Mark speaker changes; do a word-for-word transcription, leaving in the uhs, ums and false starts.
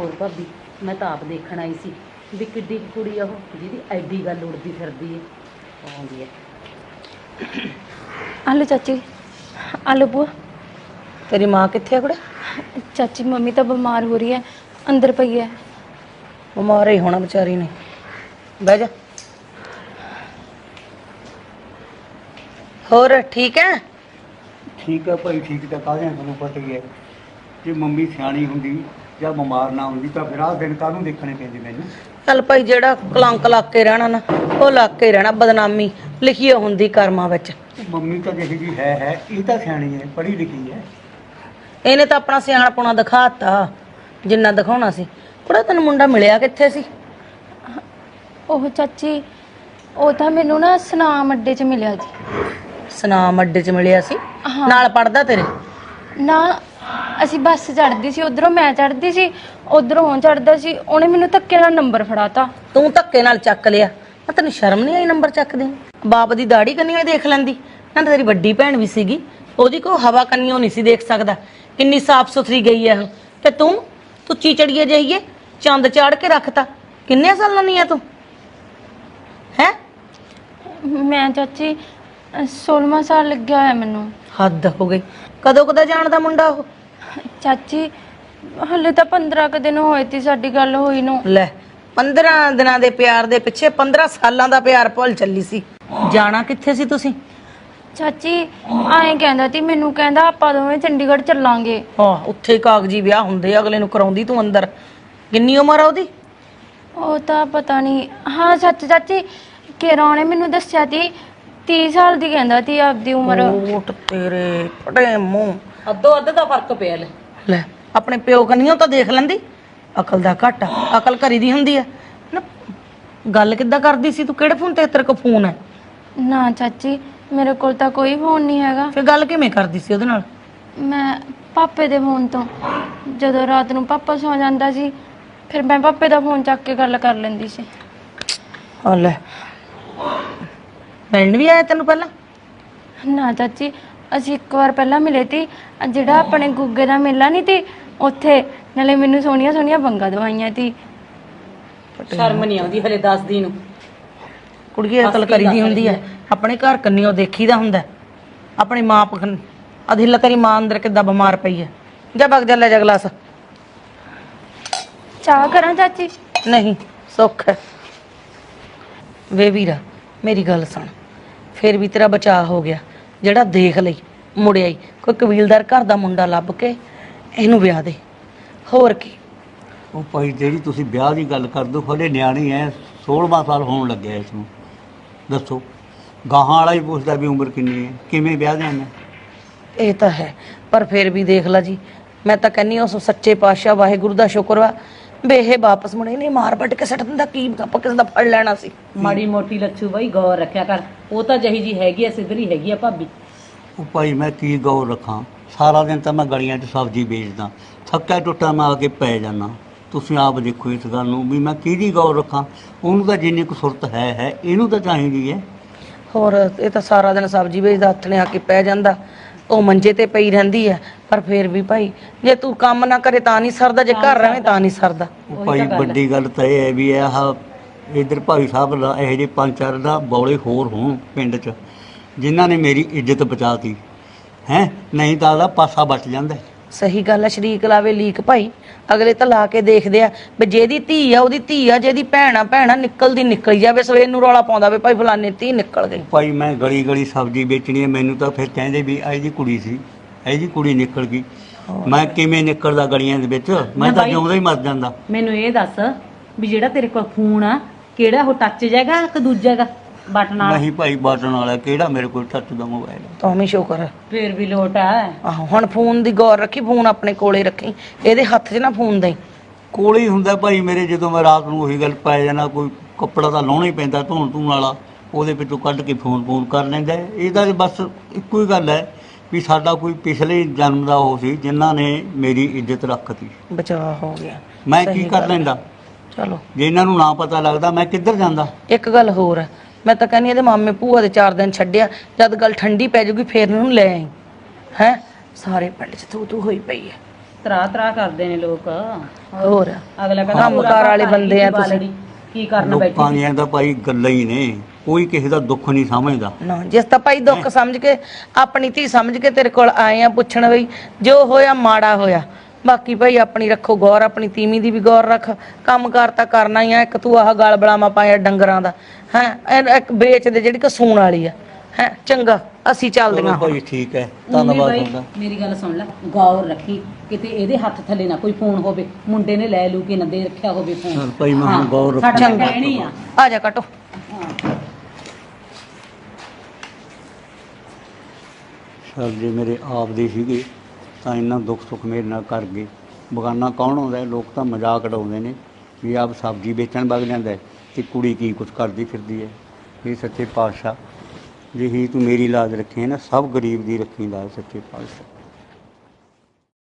Speaker 1: ਜਾਊ ਭਾਬੀ। ਮੈਂ ਤਾਂ ਆਪ ਦੇਖਣ ਆਈ ਸੀ ਵੀ ਕਿੱਡੀ ਕੁ ਕੁੜੀ ਆ ਉਹ ਜਿਹਦੀ ਐਡੀ ਗੱਲ ਉੜਦੀ ਫਿਰਦੀ ਹੈ। ਆਉਂਦੀ ਹੈ।
Speaker 2: ਆਲੂ ਚਾਚੀ, ਆਲੂ ਬੂਆ।
Speaker 3: ਤੇਰੀ ਮਾਂ ਕਿੱਥੇ ਆ ਕੁੜੇ?
Speaker 2: ਚਾਚੀ ਮੰਮੀ ਤਾਂ ਬਿਮਾਰ ਹੋ ਰਹੀ ਹੈ, ਅੰਦਰ ਪਈ ਹੈ।
Speaker 3: ਬਿਮਾਰ ਹੀ ਹੋਣਾ ਵਿਚਾਰੀ ਨੇ। ਬਹਿ ਜਾ। ਹੋਰ ਠੀਕ ਹੈ?
Speaker 4: ਠੀਕ ਹੈ ਭਾਈ, ਠੀਕ ਤਾਂ ਕਾਹਦੇ ਤੁਹਾਨੂੰ ਪਤਾ ਹੀ ਹੈ। ਜੇ ਮੰਮੀ ਸਿਆਣੀ ਹੁੰਦੀ ਜਾਂ ਬਿਮਾਰ ਨਾ ਹੁੰਦੀ ਤਾਂ ਫਿਰ ਆਹ ਦਿਨ ਕਾਹਨੂੰ ਦੇਖਣੇ ਪੈਂਦੇ ਮੈਨੂੰ।
Speaker 3: ਚੱਲ ਭਾਈ, ਜਿਹੜਾ ਕਲੰਕ ਲੱਗ ਕੇ ਰਹਿਣਾ ਨਾ ਉਹ ਲੱਗ ਕੇ ਰਹਿਣਾ। ਬਦਨਾਮੀ ਲਿਖੀ ਹੁੰਦੀ ਕਰਮਾਂ ਵਿੱਚ।
Speaker 4: ਮੰਮੀ ਤਾਂ ਜਿਹੀ ਜੀ ਹੈ ਹੈ ਇਹ ਤਾਂ ਸਿਆਣੀ ਹੈ, ਪੜ੍ਹੀ ਲਿਖੀ ਹੈ।
Speaker 3: ਇਹਨੇ ਤਾਂ ਆਪਣਾ ਸਿਆਣਪੁਣਾ ਦਿਖਾਤਾ ਜਿੰਨਾ ਦਿਖਾਉਣਾ ਸੀ। ਕੁੜਾ ਤੈਨੂੰ ਮੁੰਡਾ ਮਿਲਿਆ ਕਿੱਥੇ ਸੀ?
Speaker 2: ਉਹ ਚਾਚੀ, ਉਹ ਤਾਂ ਮੈਨੂੰ ਨਾ ਸਨਾਮ ਅੱਡੇ 'ਚ ਮਿਲਿਆ ਜੀ।
Speaker 3: ਸਨਾਮ ਅੱਡੇ 'ਚ ਮਿਲਿਆ ਸੀ?
Speaker 2: ਹਾਂ।
Speaker 3: ਨਾਲ ਪੜਦਾ ਤੇਰੇ?
Speaker 2: ਨਾ, ਅਸੀਂ ਬੱਸ ਚੜ੍ਹਦੀ ਸੀ, ਉਧਰੋਂ ਮੈਂ ਚੜ੍ਹਦੀ ਸੀ, ਉਧਰੋਂ ਉਹ ਚੜ੍ਹਦਾ ਸੀ। ਉਹਨੇ ਮੈਨੂੰ ਧੱਕੇ ਨਾਲ ਨੰਬਰ ਫੜਾਤਾ।
Speaker 3: ਤੂੰ ਧੱਕੇ ਨਾਲ ਚੱਕ ਲਿਆ? ਮੈਂ ਤੈਨੂੰ ਸ਼ਰਮ ਨਹੀਂ ਆਈ ਨੰਬਰ ਚੱਕਦੇ? ਬਾਪ ਦੀ ਦਾੜੀ ਕੰਨੀਓ ਦੇਖ ਲੈਂਦੀ ਨਾ। ਤੇਰੀ ਵੱਡੀ ਭੈਣ ਵੀ ਸੀਗੀ, ਉਹਦੀ ਕੋਈ ਹਵਾ ਕੰਨੀਓ ਨਹੀਂ ਸੀ ਦੇਖ ਸਕਦਾ। ਕਿੰਨੀ ਸਾਫ਼ ਸੁਥਰੀ ਗਈ ਹੈ ਉਹ। ਤੇ ਤੂੰ ਤੂੰ ਚੀਚੜੀਏ ਜਾਈਏ ਚੰਦ ਚਾੜ ਕੇ ਰੱਖਤਾ। ਕਿੰਨੇ ਸਾਲਾਂ ਦੀ ਆ ਤੂੰ ਹੈ?
Speaker 2: ਮੈਂ ਚਾਚੀ ਸੋਲ੍ਹਵਾਂ ਸਾਲ ਲੱਗਿਆ ਹੋਇਆ ਮੈਨੂੰ।
Speaker 3: ਹੱਦ ਹੋ ਗਈ। ਕਦੋਂ ਕਦਾ ਜਾਣਦਾ ਮੁੰਡਾ ਉਹ?
Speaker 2: ਚਾਚੀ ਹਲੇ ਤਾਂ ਪੰਦਰਾਂ ਕੁ ਦਿਨ ਹੋਏ ਤੀ ਸਾਡੀ ਗੱਲ ਹੋਈ ਨੂੰ।
Speaker 3: ਲੈ, ਪੰਦਰਾਂ ਦਿਨਾਂ ਦੇ ਪਿਆਰ ਦੇ ਪਿੱਛੇ ਪੰਦਰਾਂ ਸਾਲਾਂ ਦਾ ਪਿਆਰ ਭੁੱਲ ਚੱਲੀ ਸੀ। ਜਾਣਾ ਕਿੱਥੇ ਸੀ ਤੁਸੀਂ?
Speaker 2: ਚਾਚੀ ਐਂ ਕਹਿੰਦਾ ਤੀ ਮੈਨੂੰ, ਕਹਿੰਦਾ ਆਪਾਂ ਦੋਵੇਂ ਚੰਡੀਗੜ੍ਹ ਚੱਲਾਂਗੇ।
Speaker 3: ਹਾਂ, ਉੱਥੇ ਹੀ ਕਾਗਜ਼ੀ ਵਿਆਹ ਹੁੰਦੇ ਅਗਲੇ ਨੂੰ ਕਰਾਉਂਦੀ ਤੂੰ ਅੰਦਰ। ਕਿੰਨੀ ਉਮਰ ਆ ਉਹਦੀ?
Speaker 2: ਉਹ ਤਾਂ ਪਤਾ ਨਹੀਂ। ਹਾਂ ਸੱਚ ਚਾਚੀ, ਕੇਰਾ ਉਹਨੇ ਮੈਨੂੰ ਦੱਸਿਆ ਤੀ ਤੀਹ ਸਾਲ ਦੀ ਕਹਿੰਦਾ ਤੀ ਆਪਦੀ ਉਮਰ।
Speaker 3: ਓਟ ਤੇਰੇ ਫਟੇ ਮੂੰਹ।
Speaker 1: ਅੱਧੋ ਅੱਧ ਦਾ ਫਰਕ ਪਿਆ। ਲੈ
Speaker 3: ਲੈ, ਆਪਣੇ ਪਿਓ ਕੰਨੀਓ ਤਾਂ ਦੇਖ ਲੈਂਦੀ। ਅਕਲ ਦਾ ਘੱਟ ਆ। ਅਕਲ ਘਰੀ ਦੀ ਹੁੰਦੀ ਆ ਨਾ। ਗੱਲ ਕਿੱਦਾਂ ਕਰਦੀ ਸੀ ਤੂੰ? ਕਿਹੜੇ ਫੋਨ ਤੇ ਤੇਰੇ ਕੋਲ ਫੋਨ ਹੈ?
Speaker 2: ਨਾ ਚਾਚੀ, ਮੇਰੇ ਕੋਲ ਤਾਂ ਕੋਈ ਫੋਨ ਨਹੀਂ ਹੈਗਾ।
Speaker 3: ਫਿਰ ਗੱਲ ਕਿਵੇਂ ਕਰਦੀ ਸੀ ਉਹਦੇ ਨਾਲ?
Speaker 2: ਮੈਂ ਪਾਪੇ ਦੇ ਫੋਨ ਤੋਂ, ਜਦੋਂ ਰਾਤ ਨੂੰ ਪਾਪਾ ਸੌ ਜਾਂਦਾ ਸੀ ਫਿਰ ਮੈਂ ਪਾਪੇ ਦਾ ਫੋਨ ਚੱਕ ਕੇ ਗੱਲ ਕਰ ਲੈਂਦੀ ਸੀ।
Speaker 3: ਹਾਂ ਲੈ, ਮਿਲਣ ਵੀ ਆਇਆ ਤੈਨੂੰ ਪਹਿਲਾਂ?
Speaker 2: ਨਾ ਚਾਚੀ, ਅਸੀਂ ਇੱਕ ਵਾਰ ਪਹਿਲਾਂ ਮਿਲੇ ਤੀ, ਜਿਹੜਾ ਆਪਣੇ ਗੁੱਗੇ ਦਾ ਮੇਲਾ ਨਹੀਂ ਤੀ ਉੱਥੇ। ਨਾਲੇ ਮੈਨੂੰ ਸੋਹਣੀਆਂ ਸੋਹਣੀਆਂ ਬੰਗਾ ਦਵਾਈਆਂ ਤੀ।
Speaker 1: ਸ਼ਰਮ ਨਹੀਂ ਆਉਂਦੀ ਹਲੇ ਦੱਸਦੀ ਨੂੰ।
Speaker 3: ਕੁੜੀਏ ਅਕਲ ਕਰੀ ਦੀ ਹੁੰਦੀ ਹੈ। ਆਪਣੇ ਘਰ ਕੰਨੀਓ ਦੇਖੀਦਾ ਹੁੰਦਾ। ਆਪਣੀ ਮਾਂ ਪਖਨ ਅਧਿੱਲਾ ਤੇਰੀ ਮਾਂ ਅੰਦਰ ਕਿੱਦਾਂ ਬਿਮਾਰ ਪਈ ਹੈ। ਜਾ ਬਗ ਜਾ, ਲੈ ਜਾ ਗਲਾਸ।
Speaker 2: ਚਾਹ ਕਰਾਂ ਚਾਚੀ?
Speaker 3: ਨਹੀਂ, ਸੁੱਖ ਹੈ। ਵੇ ਵੀਰਾ, ਮੇਰੀ ਗੱਲ ਸੁਣ। ਫਿਰ ਵੀ ਤੇਰਾ ਬਚਾਅ ਹੋ ਗਿਆ ਜਿਹੜਾ ਦੇਖ ਲਈ ਮੁੜਿਆ ਹੀ। ਕੋਈ ਕਬੀਲਦਾਰ ਘਰ ਦਾ ਮੁੰਡਾ ਲੱਭ ਕੇ ਇਹਨੂੰ ਵਿਆਹ ਦੇ। ਹੋਰ ਕੀ?
Speaker 4: ਉਹ ਭਾਈ ਜਿਹੜੀ ਤੁਸੀਂ ਵਿਆਹ ਦੀ ਗੱਲ ਕਰ ਦੋ, ਹਲੇ ਨਿਆਣੀ ਹੈ, ਸੋਲ੍ਹਵਾਂ ਸਾਲ ਹੋਣ ਲੱਗਿਆ ਇਸ ਨੂੰ। ਦੱਸੋ, ਗਾਹਾਂ ਵਾਲਾ ਹੀ ਪੁੱਛਦਾ ਵੀ ਉਮਰ ਕਿੰਨੀ ਹੈ, ਕਿਵੇਂ ਵਿਆਹ ਦੇਣਾ?
Speaker 3: ਇਹ ਤਾਂ ਹੈ, ਪਰ ਫਿਰ ਵੀ ਦੇਖ ਲਾ ਜੀ। ਮੈਂ ਤਾਂ ਕਹਿੰਨੀ ਉਸ ਸੱਚੇ ਪਾਤਸ਼ਾਹ ਵਾਹਿਗੁਰੂ ਦਾ ਸ਼ੁਕਰ ਵਾ ਵੀ ਇਹ ਵਾਪਸ ਮੁੜੇ ਨੇ। ਮਾਰ ਵੱਢ ਕੇ ਸੱਟ ਦਿੰਦਾ ਕੀ ਆਪਾਂ ਕਿਸੇ ਦਾ ਫੜ ਲੈਣਾ ਸੀ।
Speaker 1: ਮਾੜੀ ਮੋਟੀ ਲੱਛੂ ਬਾਈ ਗੌਰ ਰੱਖਿਆ ਕਰ। ਉਹ ਤਾਂ ਜਿਹੀ ਜੀ ਹੈਗੀ ਆ, ਸਿੱਧਰੀ ਹੈਗੀ ਆ ਭਾਬੀ।
Speaker 4: ਉਹ ਭਾਈ ਮੈਂ ਕੀ ਗੌਰ ਰੱਖਾਂ? ਸਾਰਾ ਦਿਨ ਤਾਂ ਮੈਂ ਗਲੀਆਂ 'ਚ ਸਬਜ਼ੀ ਵੇਚਦਾ, ਥੱਕਿਆ ਟੁੱਟਾ ਮੈਂ ਆ ਕੇ ਪੈ ਜਾਂਦਾ। ਤੁਸੀਂ ਆਪ ਦੇਖੋ ਇਸ ਗੱਲ ਨੂੰ ਵੀ ਮੈਂ ਕਿਹਦੀ ਗੌਰ ਰੱਖਾਂ। ਉਹਨੂੰ ਤਾਂ ਜਿੰਨੀ ਕੁ ਸੁਰਤ ਹੈ ਹੈ ਇਹਨੂੰ ਤਾਂ ਚਾਹੀਦੀ ਹੈ।
Speaker 3: ਹੋਰ ਇਹ ਤਾਂ ਸਾਰਾ ਦਿਨ ਸਬਜ਼ੀ ਵੇਚਦਾ, ਹੱਥ ਨੇ ਆ ਕੇ ਪੈ ਜਾਂਦਾ। ਉਹ ਮੰਜੇ ਤੇ ਪਈ ਰਹਿੰਦੀ ਹੈ। ਪਰ ਫਿਰ ਵੀ ਭਾਈ, ਜੇ ਤੂੰ ਕੰਮ ਨਾ ਕਰੇ ਤਾਂ ਨਹੀਂ ਸਰਦਾ, ਜੇ ਘਰ ਰਹੇ ਤਾਂ ਨਹੀਂ ਸਰਦਾ।
Speaker 4: ਉਹ ਭਾਈ ਵੱਡੀ ਗੱਲ ਤਾਂ ਇਹ ਹੈ ਵੀ ਆਹ ਇੱਧਰ ਭਾਈ ਸਾਹਿਬ ਦਾ ਇਹੋ ਜਿਹੇ ਪੰਜ ਚਾਰ ਦਾ ਬੌਲੇ ਹੋਰ ਹੋਣ ਪਿੰਡ 'ਚ ਜਿਨ੍ਹਾਂ ਨੇ ਮੇਰੀ ਇੱਜ਼ਤ ਬਚਾਤੀ ਹੈ। ਨਹੀਂ ਤਾਂ ਉਹਦਾ ਪਾਸਾ ਬਚ ਜਾਂਦਾ।
Speaker 3: ਸਹੀ ਗੱਲ ਹੈ। ਸ਼ਰੀਕ ਲਾਵੇ ਲੀਕ ਭਾਈ। ਅਗਲੇ ਤਾਂ ਲਾ ਕੇ ਦੇਖਦੇ ਆ ਵੀ ਜਿਹਦੀ ਧੀ ਆ ਉਹਦੀ ਧੀ ਆ, ਜਿਹਦੀ ਭੈਣ ਆ ਭੈਣਾ ਨਿਕਲਦੀ ਨਿਕਲ ਜਾਵੇ। ਸਵੇਰ ਨੂੰ ਰੌਲਾ ਪਾਉਂਦਾ ਵੀ ਭਾਈ ਫਲਾਣੇ ਧੀ ਨਿਕਲ ਗਈ।
Speaker 4: ਭਾਈ ਮੈਂ ਗਲੀ ਗਲੀ ਸਬਜ਼ੀ ਵੇਚਣੀ ਹੈ, ਮੈਨੂੰ ਤਾਂ ਫਿਰ ਕਹਿੰਦੇ ਵੀ ਇਹ ਜੀ ਕੁੜੀ ਸੀ, ਇਹ ਜੀ ਕੁੜੀ ਨਿਕਲ ਗਈ। ਮੈਂ ਕਿਵੇਂ ਨਿਕਲਦਾ ਗਲੀਆਂ ਦੇ ਵਿੱਚ? ਮੈਂ ਤਾਂ ਜਿਉਂਦਾ ਹੀ ਮਰ ਜਾਂਦਾ।
Speaker 1: ਮੈਨੂੰ ਇਹ ਦੱਸ ਵੀ ਜਿਹੜਾ ਤੇਰੇ ਕੋਲ ਫੋਨ ਆ ਕਿਹੜਾ, ਉਹ ਟੱਚ ਜਾਏਗਾ ਕਿ ਦੂਜਾ ਹੈਗਾ ਬਟਨ ਵਾਲਾ?
Speaker 4: ਨਹੀਂ ਭਾਈ, ਬਟਨ ਵਾਲਾ ਕਿਹੜਾ? ਮੇਰੇ ਕੋਲ ਟੱਚ ਦਾ ਮੋਬਾਈਲ ਹੈ।
Speaker 3: ਤਾਂ ਵੀ ਸ਼ੁਕਰ ਹੈ।
Speaker 1: ਫੇਰ ਵੀ ਲੋਟ ਆ।
Speaker 3: ਆਹੋ, ਹੁਣ ਫੋਨ ਦੀ ਗੌਰ ਰੱਖੀ। ਫੋਨ ਆਪਣੇ ਕੋਲੇ ਰੱਖੀ, ਇਹਦੇ ਹੱਥ 'ਚ ਨਾ ਫੋਨ ਦੇਈ।
Speaker 4: ਕੋਲ ਹੀ ਹੁੰਦਾ ਭਾਈ ਮੇਰੇ। ਜਦੋਂ ਮੈਂ ਰਾਤ ਨੂੰ ਉਹੀ ਗੱਲ ਪੈ ਜਾਣਾ, ਕੋਈ ਕੱਪੜਾ ਤਾਂ ਲਾਉਣਾ ਹੀ ਪੈਂਦਾ ਧੋਣ ਧੂਣ ਵਾਲਾ, ਉਹਦੇ ਵਿੱਚੋਂ ਕੱਢ ਕੇ ਫੋਨ ਫੋਨ ਕਰ ਲੈਂਦਾ। ਇਹਦਾ ਬਸ ਇੱਕੋ ਹੀ ਗੱਲ ਹੈ ਵੀ ਸਾਡਾ ਕੋਈ ਪਿਛਲੇ ਜਨਮ ਦਾ ਉਹ ਸੀ ਜਿਨ੍ਹਾਂ ਨੇ ਮੇਰੀ ਇੱਜ਼ਤ ਰੱਖਤੀ।
Speaker 3: ਬਚਾਅ ਹੋ ਗਿਆ।
Speaker 4: ਮੈਂ ਕੀ ਕਰ ਲੈਂਦਾ?
Speaker 3: ਚਲੋ,
Speaker 4: ਜੇ ਇਹਨਾਂ ਨੂੰ ਨਾ ਪਤਾ ਲੱਗਦਾ ਮੈਂ ਕਿੱਧਰ ਜਾਂਦਾ?
Speaker 3: ਇੱਕ ਗੱਲ ਹੋਰ ਹੈ, ਮੈਂ ਤਾਂ ਕਹਿੰਦੀ ਇਹਦੇ ਮਾਮੇ ਭੂਆ ਦੇ ਚਾਰ ਦਿਨ ਛੱਡਿਆ, ਜਦ ਗੱਲ ਠੰਡੀ ਪੈ ਜੂਗੀ ਫੇਰ ਇਹਨੂੰ ਲੈ ਆਈ। ਹੈ ਸਾਰੇ ਪਿੰਡ 'ਚ ਤੂੰ ਤੂੰ ਹੋਈ ਪਈ ਹੈ।
Speaker 1: ਤਰਾ ਤਰਾ ਕਰਦੇ ਨੇ ਲੋਕ।
Speaker 3: ਹੋਰ
Speaker 1: ਅਗਲਾ ਕਹਿੰਦਾ
Speaker 3: ਕੰਮਕਾਰ ਵਾਲੇ ਬੰਦੇ ਆ ਤੁਸੀਂ।
Speaker 1: ਕੀ ਕਰਨ
Speaker 4: ਲੋਕਾਂ
Speaker 1: ਬੈਠੇ
Speaker 4: ਦੀਆਂ ਤਾਂ ਭਾਈ ਗੱਲਾਂ ਹੀ ਨੇ, ਕੋਈ ਕਿਸੇ ਦਾ ਦੁੱਖ ਨਹੀਂ ਸਮਝਦਾ।
Speaker 3: ਨਾ ਜਿਸ ਤਾਂ ਭਾਈ ਦੁੱਖ ਸਮਝ ਕੇ ਆਪਣੀ ਧੀ ਸਮਝ ਕੇ ਤੇਰੇ ਕੋਲ ਆਏ ਆ ਪੁੱਛਣ ਬਈ ਜੋ ਹੋਇਆ ਮਾੜਾ ਹੋਇਆ। ਬਾਕੀ ਭਾਈ ਆਪਣੀ ਰੱਖੋ ਗੌਰ, ਆਪਣੀ ਤੀਵੀਂ ਦੀ ਵੀ ਗੌਰ ਰੱਖ। ਕੰਮਕਾਰ ਤਾਂ ਕਰਨਾ ਹੀ ਆ। ਇੱਕ ਤੂੰ ਆਹ ਗਲ ਬਲਾਵਾ ਪਾਇਆ ਡੰਗਰਾਂ ਦਾ ਹੈ, ਇੱਕ ਵੇਚ ਦੇ ਜਿਹੜੀ ਕਸੂਣ ਵਾਲੀ ਆ ਹੈ। ਚੰਗਾ ਅਸੀਂ ਚੱਲਦੀਆਂ
Speaker 4: ਚਲੋ
Speaker 3: ਹੁਣ।
Speaker 4: ਭਾਈ ਠੀਕ ਹੈ,
Speaker 1: ਉਨੀ
Speaker 4: ਧੰਨਵਾਦ
Speaker 1: ਬਾਈ,
Speaker 4: ਤੁਹਾਡਾ।
Speaker 1: ਮੇਰੀ ਗੱਲ ਸੁਣ ਲੈ, ਗੌਰ ਰੱਖੀ ਕਿਤੇ ਇਹਦੇ ਹੱਥ ਥੱਲੇ ਨਾ ਕੋਈ ਫੋਨ ਹੋਵੇ, ਮੁੰਡੇ ਨੇ ਲੈ ਲੂ ਕੇ ਨਾ ਦੇ ਰੱਖਿਆ ਹੋਵੇ ਫੋਨ।
Speaker 4: ਚੱਲ ਭਾਈ ਮੈਂ ਹੁਣ
Speaker 1: ਹਾਂ,
Speaker 4: ਗੌਰ ਰੱਖੂ।
Speaker 1: ਸਾਡਾ ਤਾਂ ਕਹਿਣੀ ਆ।
Speaker 3: ਆ ਜਾ ਕਟੋ।
Speaker 1: ਹਾਂ।
Speaker 4: ਸਰ ਜੇ ਮੇਰੇ ਆਪ ਦੇ ਸੀਗੇ ਤਾਂ ਇੰਨਾ ਦੁੱਖ ਸੁੱਖ ਮੇਰੇ ਨਾਲ ਕਰ ਗਏ। ਬਗਾਨਾ ਕੌਣ ਆਉਂਦਾ ਹੈ? ਲੋਕ ਤਾਂ ਮਜ਼ਾਕ ਉਡਾਉਂਦੇ ਨੇ ਵੀ ਆਪ ਸਬਜ਼ੀ ਵੇਚਣ ਵਗ ਜਾਂਦਾ ਹੈ ਤੇ ਕੁੜੀ ਕੀ ਕੁਛ ਕਰਦੀ ਫਿਰਦੀ ਹੈ। ਇਹ ਸੱਚੇ ਪਾਤਸ਼ਾਹ ਜਿਹੀ ਤੂੰ ਮੇਰੀ ਲਾਜ ਰੱਖੀ ਹੈ ਨਾ, ਸਭ ਗਰੀਬ ਦੀ ਰੱਖੀ ਲਾਜ ਸੱਚੇ ਪਾਤਸ਼ਾਹ।